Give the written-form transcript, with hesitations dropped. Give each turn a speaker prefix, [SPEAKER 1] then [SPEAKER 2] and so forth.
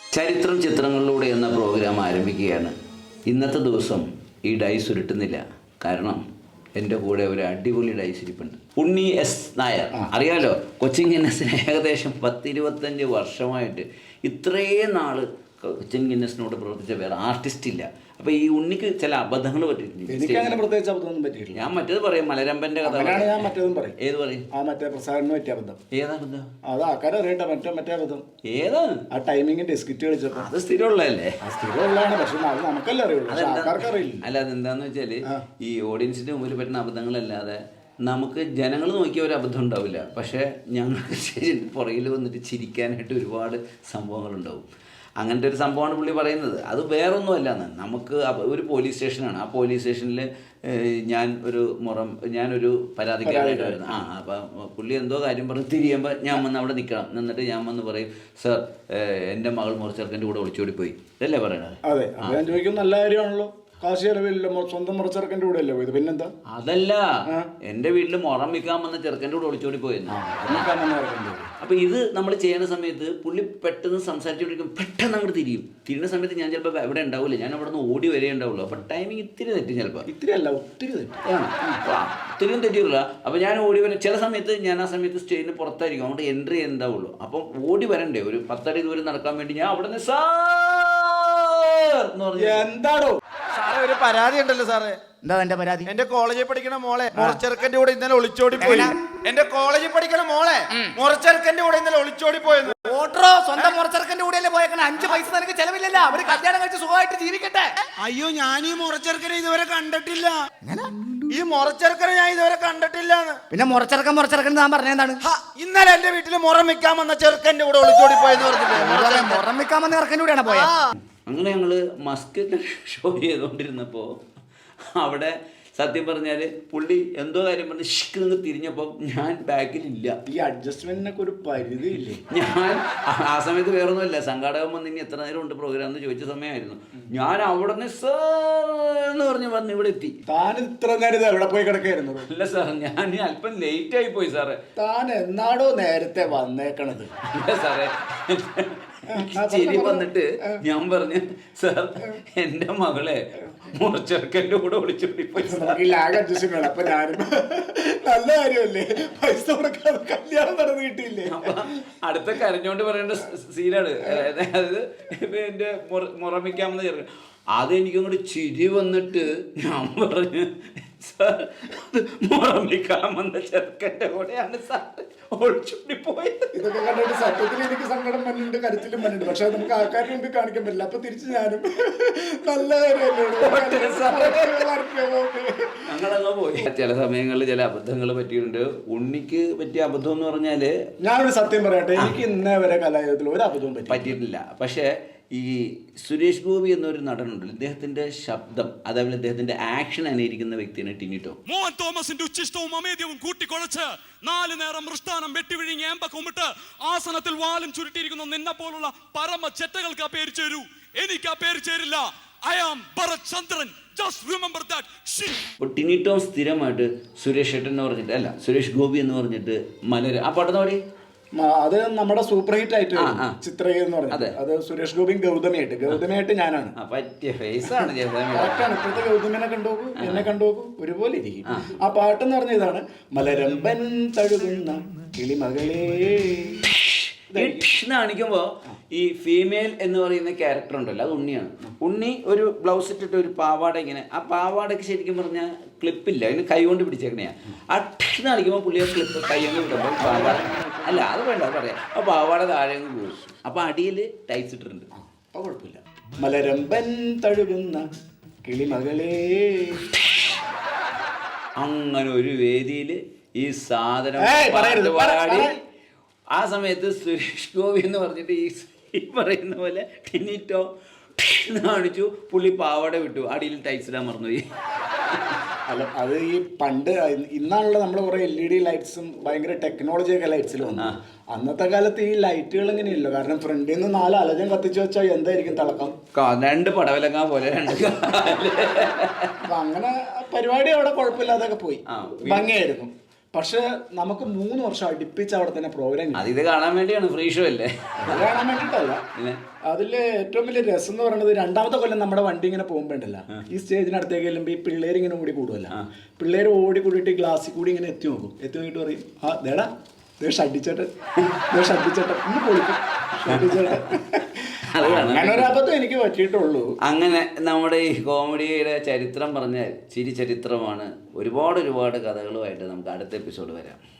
[SPEAKER 1] ചരിത്രം ചിത്രങ്ങളിലൂടെ എന്ന പ്രോഗ്രാം ആരംഭിക്കുകയാണ്. ഇന്നത്തെ ദിവസം ഈ ഡൈസ് ഉരുട്ടുന്നില്ല. കാരണം എൻ്റെ കൂടെ ഒരു അടിപൊളി ഡൈസ് ഇരിപ്പുണ്ട്. ഉണ്ണി എസ് നായർ, അറിയാലോ, കൊച്ചിൻ ഗിന്നസിന് ഏകദേശം 10-25 വർഷമായിട്ട് ഇത്രയും നാൾ കൊച്ചിൻ ഗിന്നസിനോട് പ്രവർത്തിച്ച വേറെ ആർട്ടിസ്റ്റ് ഇല്ല. അപ്പോൾ ഈ ഉണ്ണിക്ക് ചില അബദ്ധങ്ങൾ പറ്റിയിട്ടുണ്ട്.
[SPEAKER 2] പ്രത്യേകിച്ച് അബദ്ധമൊന്നും പറ്റിയിട്ടില്ല.
[SPEAKER 1] ഞാൻ മറ്റേത് പറയും, മലരമ്പൻ്റെ കഥ.
[SPEAKER 2] ഞാൻ മറ്റേതും പറയും.
[SPEAKER 1] ഏത് പറയും?
[SPEAKER 2] ആ മറ്റേ പ്രസാദിന് പറ്റിയ അബദ്ധം.
[SPEAKER 1] ഏതാ അബദ്ധം?
[SPEAKER 2] അത് ആൾക്കാരെ അറിയട്ടെ. മറ്റേ അബദ്ധം
[SPEAKER 1] ഏതാണ്?
[SPEAKER 2] ആ ടൈമിങ്ങിന്റെ സ്കിറ്റ് കളിച്ചപ്പോ.
[SPEAKER 1] അത് സ്ഥിരമുള്ളതല്ലേ?
[SPEAKER 2] സ്ഥിരമുള്ളതാണ്, പക്ഷെ അത് നമുക്കല്ലേ അറിയുള്ളൂ, ആൾക്കാർക്ക് അറിയില്ല.
[SPEAKER 1] അല്ല, അതെന്താന്ന് വെച്ചാല് ഈ ഓഡിയൻസിന്റെ മുമ്പിൽ പറ്റുന്ന അബദ്ധങ്ങളല്ലാതെ നമുക്ക് ജനങ്ങൾ നോക്കിയ ഒരു അബദ്ധം ഉണ്ടാവില്ല. പക്ഷേ ഞങ്ങൾക്ക് പുറകിൽ വന്നിട്ട് ചിരിക്കാനായിട്ട് ഒരുപാട് സംഭവങ്ങളുണ്ടാവും. അങ്ങനത്തെ ഒരു സംഭവമാണ് പുള്ളി പറയുന്നത്. അത് വേറൊന്നും അല്ലാന്ന്. നമുക്ക് ഒരു പോലീസ് സ്റ്റേഷനാണ്. ആ പോലീസ് സ്റ്റേഷനിൽ ഞാനൊരു പരാതിക്കാരായിട്ട് വരുന്നത്. അപ്പം പുള്ളി എന്തോ കാര്യം പറഞ്ഞ് തിരിയുമ്പോൾ ഞാൻ വന്ന് അവിടെ നിൽക്കണം. എന്നിട്ട് ഞാൻ വന്ന് പറയും, സർ, എൻ്റെ മകൾ മുറച്ചെറുക്കൻ്റെ കൂടെ ഒളിച്ചോടി പോയി. ഇതല്ലേ പറയണത്?
[SPEAKER 2] അതെ, ഞാൻ ചോദിക്കും, നല്ല കാര്യമാണല്ലോ. കാശ് ചെലവില്ല, സ്വന്തം മുറച്ചെറുക്കൻ്റെ കൂടെ അല്ലേ പോയത്, പിന്നെന്താ?
[SPEAKER 1] അതല്ല, എൻ്റെ വീട്ടിൽ മുറം വിൽക്കാൻ വന്ന ചെറുക്കൻ്റെ കൂടെ ഒളിച്ചോടി പോയെന്ന്. അപ്പൊ ഇത് നമ്മൾ ചെയ്യുന്ന സമയത്ത് പുള്ളി പെട്ടെന്ന് സംസാരിച്ചുകൊണ്ടിരിക്കും, പെട്ടെന്ന് അങ്ങോട്ട് തിരിയുന്ന സമയത്ത് ഞാൻ ചിലപ്പോൾ എവിടെ ഉണ്ടാവില്ല, ഞാൻ അവിടെ നിന്ന് ഓടി വരെ ഉണ്ടാവുള്ളൂ. അപ്പൊ ടൈമിങ് ഇത്തിരി തെറ്റും, ചിലപ്പോൾ
[SPEAKER 2] ഇത്തിരി അല്ല, ഒത്തിരി
[SPEAKER 1] ഒത്തിരിയും തെറ്റിയില്ല. അപ്പൊ ഞാൻ ഓടി വരാം. ചില സമയത്ത് ഞാൻ ആ സമയത്ത് സ്റ്റേജിന് പുറത്തായിരിക്കും, അങ്ങോട്ട് എൻട്രി ഉണ്ടാവുള്ളൂ. അപ്പം ഓടി വരണ്ടേ, ഒരു 10 അടി ദൂരം നടക്കാൻ വേണ്ടി ഞാൻ അവിടെ നിന്ന്
[SPEAKER 2] എന്താണോ
[SPEAKER 3] സാറേ, ഒരു പരാതി ഉണ്ടല്ലോ സാറേ.
[SPEAKER 4] എന്താ എന്റെ പരാതി?
[SPEAKER 3] എന്റെ കോളേജിൽ പഠിക്കണ മോളെ മുറച്ചെറുക്കന്റെ കൂടെ ഇന്നലെ ഒളിച്ചോടി പോയി. എന്റെ കോളേജിൽ പഠിക്കണ മോളെ മുറച്ചെറുക്കന്റെ കൂടെ ഇന്നലെ ഒളിച്ചോടി പോയെന്ന്.
[SPEAKER 4] ഓട്ടോ സ്വന്തം മുറച്ചെറുക്കന്റെ കൂടെയല്ലേ പോയേക്കണ? 5 പൈസ നിനക്ക് ചെലവില്ലല്ലോ, അവര് കല്യാണം കഴിച്ച് സുഖമായിട്ട് ജീവിക്കട്ടെ.
[SPEAKER 3] അയ്യോ, ഞാൻ ഈ മുറച്ചെറുക്കനെ ഇതുവരെ കണ്ടിട്ടില്ല. ഈ മുറച്ചെറുക്കനെ ഞാൻ ഇതുവരെ കണ്ടിട്ടില്ല.
[SPEAKER 4] പിന്നെ മുറച്ചെറുക്കൻ താൻ പറഞ്ഞെന്താണ്?
[SPEAKER 3] ഇന്നലെ എന്റെ വീട്ടിൽ മുറം വെക്കാൻ വന്ന ചെറുക്കന്റെ കൂടെ ഒളിച്ചോടി പോയെന്ന് പറഞ്ഞില്ലേ?
[SPEAKER 4] മുറം വെക്കാൻ വന്ന ചെറുക്കന്റെ കൂടെയാണ് പോയത്.
[SPEAKER 1] അങ്ങനെ ഞങ്ങൾ മസ്കറ്റ് ഷോ ചെയ്തുകൊണ്ടിരുന്നപ്പോൾ അവിടെ സത്യം പറഞ്ഞാൽ പുള്ളി എന്തോ കാര്യം പറഞ്ഞ് ഷിക്ക് നിന്ന് തിരിഞ്ഞപ്പോൾ ഞാൻ ബാക്കിലില്ല.
[SPEAKER 2] ഈ അഡ്ജസ്റ്റ്മെന്റിനൊക്കെ ഒരു പരിധി ഇല്ലേ?
[SPEAKER 1] ഞാൻ ആ സമയത്ത് വേറൊന്നുമില്ല, സംഘാടകൻ വന്ന് ഇനി എത്ര നേരം ഉണ്ട് പ്രോഗ്രാം എന്ന് ചോദിച്ച സമയമായിരുന്നു. ഞാൻ അവിടെ നിന്ന് സാർ പറഞ്ഞ് ഇവിടെ എത്തി.
[SPEAKER 2] താൻ ഇത്ര നേരം എവിടെ പോയി കിടക്കായിരുന്നു?
[SPEAKER 1] അല്ല സാർ, ഞാൻ അല്പം ലേറ്റ് ആയി പോയി സാറേ.
[SPEAKER 2] താൻ എന്നാടോ നേരത്തെ വന്നേക്കണത്?
[SPEAKER 1] അല്ല സാറേ, ചിരി വന്നിട്ട് ഞാൻ പറഞ്ഞു, സാർ, എൻ്റെ മകളെ മുറച്ചെറുക്കൻ്റെ കൂടെ ഒളിച്ചോടി പോയി.
[SPEAKER 2] അപ്പൊ ഞാനും നല്ല കാര്യമല്ലേ, പൈസ കൊടുക്കാതെ കല്യാണം നടന്നു കിട്ടിയില്ലേ?
[SPEAKER 1] അപ്പൊ അടുത്ത കരഞ്ഞോണ്ട് പറയേണ്ട സീനാണ്. അതായത് എന്റെ മുറമിക്കാമെന്ന് ചെറുക്കൻ. അതെനിക്കങ്ങോട്ട് ചിരി വന്നിട്ട് ഞാൻ പറഞ്ഞു, സാർ, മുറമിക്കാമെന്ന ചെറുക്കൻ്റെ കൂടെയാണ് സാർ ഒളിച്ചോടി പോയത്.
[SPEAKER 2] ഇതൊക്കെ കണ്ടിട്ട് സത്യത്തിൽ എനിക്ക് സങ്കടം വന്നിട്ടുണ്ട്, കരുത്തിലും വന്നിട്ടുണ്ട്. പക്ഷെ നമുക്ക് ആൾക്കാരുടെ മുമ്പിൽ കാണിക്കാൻ പറ്റില്ല. അപ്പൊ തിരിച്ച് ഞാനും നല്ല
[SPEAKER 1] ഞങ്ങളങ്ങ് പോയി. ചില സമയങ്ങളിൽ ചില അബദ്ധങ്ങൾ പറ്റിയിട്ടുണ്ട്. ഉണ്ണിക്ക് പറ്റിയ അബദ്ധം എന്ന് പറഞ്ഞാല്,
[SPEAKER 2] ഞാനൊരു സത്യം പറയട്ടെ, എനിക്ക് ഇന്നേ വരെ കലായുഗത്തിൽ ഒരു അബദ്ധവും
[SPEAKER 1] പറ്റിയിട്ടില്ല. പക്ഷേ ഈ സുരേഷ് ഗോപി എന്നൊരു നടനുണ്ടല്ലോ, ഇദ്ദേഹത്തിന്റെ ശബ്ദം, അതേപോലെ ഇദ്ദേഹത്തിന്റെ ആക്ഷൻ അനുകരിക്കുന്ന വ്യക്തിയാണ് ടിനി ടോം.
[SPEAKER 5] മോഹൻ തോമസിന്റെ ഉച്ചിഷ്ടവും അമേദ്യവും കൂട്ടിക്കൊളച്ച് 4 നേരം മൃഷ്ടാനം വെട്ടിവിഴുങ്ങി ഏമ്പക്കുമിട്ട് ആസനത്തിൽ വാലും ചുരുട്ടിയിരിക്കുന്ന നിന്നെ പോലുള്ള പരമ ചെറ്റകൾക്ക് ആ പേര് ചേരൂ. എനിക്ക് ആ പേര് ചേരില്ല. I am Bharat Chandran. Just remember that shit.
[SPEAKER 1] അപ്പോൾ ടിനി ടോം സ്ഥിരമായിട്ട് സുരേഷ് ഏട്ടൻ എന്ന് പറഞ്ഞിട്ട്, അല്ല, സുരേഷ് ഗോപി എന്ന് പറഞ്ഞിട്ട് ആ പാടുന്ന പാടി.
[SPEAKER 2] അത് നമ്മുടെ സൂപ്പർ ഹിറ്റ് ആയിട്ട് ചിത്രകീർ എന്ന് പറഞ്ഞത്. അത് സുരേഷ് ഗോപിയും ഗൗതമിയായിട്ട് ഞാനാണ്.
[SPEAKER 1] പറ്റിയ ഫേസാണ്.
[SPEAKER 2] ഇപ്പോഴത്തെ ഗൗതമിനെ കണ്ടുപോകൂ, എന്നെ കണ്ടുപോകൂ, ഒരുപോലെ ഇരിക്കും. ആ പാട്ടെന്ന് പറഞ്ഞ ഇതാണ്, മലരമ്പൻ തഴുകുന്ന കിളിമകളേ.
[SPEAKER 1] കാണിക്കുമ്പോ ഈ ഫീമെയിൽ എന്ന് പറയുന്ന ക്യാരക്ടർ ഉണ്ടല്ലോ, അത് ഉണ്ണിയാണ്. ഉണ്ണി ഒരു ബ്ലൗസ് ഇട്ടിട്ട് ഒരു പാവാട, ഇങ്ങനെ ആ പാവാടയ്ക്ക് ശരിക്കും പറഞ്ഞാൽ ക്ലിപ്പില്ല, അതിന് കൈ കൊണ്ട് പിടിച്ചേക്കണയാ. അക്ഷ കാണിക്കുമ്പോൾ പുള്ളിയെ ക്ലിപ്പ് കൈ കൊണ്ട് വിടുമ്പോൾ പാവാട, അല്ല അത് വേണ്ട, അത് പറയാം, ആ പാവാട താഴെ പോകും. അപ്പൊ അടിയിൽ ടൈറ്റ്സ് ഇട്ടിട്ടുണ്ട്.
[SPEAKER 2] അപ്പൊ കുഴപ്പമില്ല. മലരമ്പൻ തഴുകുന്ന കിളിമകളേ.
[SPEAKER 1] അങ്ങനെ ഒരു വേദിയിൽ ഈ സാധനം പാടി, ആ സമയത്ത് സുരേഷ് ഗോപി എന്ന് പറഞ്ഞിട്ട് ഈ പറയുന്ന പോലെ ടിനി ടോം കാണിച്ചു, പുള്ളി പാവാട വിട്ടു, അടിയിൽ ടൈറ്റ്സ് ഇടാൻ മറന്നുപോയി.
[SPEAKER 2] അല്ല, അത് ഈ പണ്ട് ഇന്നാണല്ലോ നമ്മൾ കുറെ LED ലൈറ്റ്സും ഭയങ്കര ടെക്നോളജിയൊക്കെ ലൈറ്റ്സിൽ വന്നു. അന്നത്തെ കാലത്ത് ഈ ലൈറ്റുകൾ ഇങ്ങനെയല്ലോ, കാരണം ഫ്രണ്ടിൽ നിന്ന് 4 അലജം കത്തിച്ചു വെച്ചാൽ എന്തായിരിക്കും തിളക്കം?
[SPEAKER 1] 2 പടവലങ്ങ പോലെ 2.
[SPEAKER 2] അപ്പൊ അങ്ങനെ പരിപാടി അവിടെ കുഴപ്പമില്ലാതൊക്കെ പോയി, ഭംഗിയായിരുന്നു. പക്ഷെ നമുക്ക് 3 വർഷം അടുപ്പിച്ച് അവിടെ തന്നെ പ്രോഗ്രാം
[SPEAKER 1] ഇത് കാണാൻ വേണ്ടിയാണ് ഫ്രീ ഷോ അല്ലേ?
[SPEAKER 2] അത് കാണാൻ വേണ്ടിയിട്ടല്ല. അതില് ഏറ്റവും വലിയ രസം എന്ന് പറയുന്നത് 2ാമത്തെ കൊല്ലം നമ്മുടെ വണ്ടി ഇങ്ങനെ പോകുമ്പോണ്ടല്ല, ഈ സ്റ്റേജിനടുത്തേക്ക് ചെല്ലുമ്പോൾ ഈ പിള്ളേർ ഇങ്ങനെ ഓടി കൂടുമല്ല. പിള്ളേർ ഓടി കൂടിയിട്ട് ഗ്ലാസ്സിൽ കൂടി ഇങ്ങനെ എത്തി നോക്കും. എത്തി നോക്കിയിട്ട് പറയും, ആ ദേടാ ഷഡിച്ചേട്ടൻ ഇന്ന് പൊളിക്കും ഷഡിച്ചേട്ടൻ. അങ്ങനെ ഒരു അബദ്ധം എനിക്ക് പറ്റിയിട്ടുള്ളൂ.
[SPEAKER 1] അങ്ങനെ നമ്മുടെ ഈ കോമഡിയുടെ ചരിത്രം പറഞ്ഞാൽ ചിരി ചരിത്രമാണ്. ഒരുപാട് കഥകളുമായിട്ട് നമുക്ക് അടുത്ത എപ്പിസോഡ് വരാം.